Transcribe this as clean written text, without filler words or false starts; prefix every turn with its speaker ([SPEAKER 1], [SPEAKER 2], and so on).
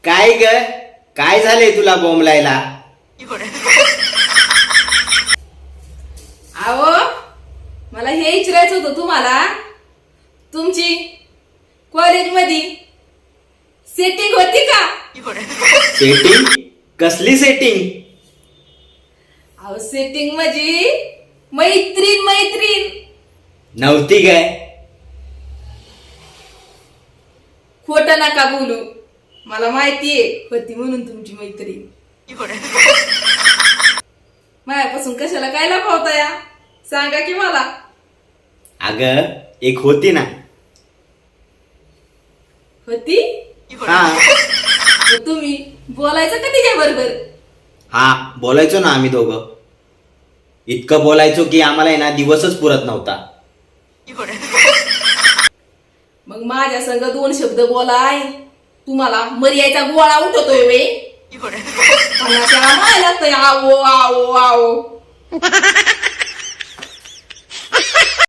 [SPEAKER 1] काय ग? काय झालंय तुला बोंबलायला?
[SPEAKER 2] अहो मला हे विचारायचं होतं तुम्हाला, तुमची कॉलेजमध्ये सेटिंग होती का?
[SPEAKER 1] सेटिंग? कसली सेटिंग?
[SPEAKER 2] अहो सेटिंग म्हणजे मैत्रीण मैत्रीण.
[SPEAKER 1] नव्हती काय?
[SPEAKER 2] खोटं नका बोलू, मला माहितीये होती म्हणून तुमची मैत्रीण. मायापासून कशाला काय लपवता या, सांगा की मला.
[SPEAKER 1] अग एक होती ना.
[SPEAKER 2] होती?
[SPEAKER 1] हा
[SPEAKER 2] मग तुम्ही बोलायचं का तिच्या बरोबर?
[SPEAKER 1] हा, बोलायचो ना आम्ही दोघं. इतकं बोलायचो की आम्हाला आहे ना दिवसच पुरत नव्हता.
[SPEAKER 2] मग माझ्या संग 2 शब्द बोलाय, तुम्हाला मर्याचा गोळा उठवतोय वे. मला लागतंय आवो आवो आवो.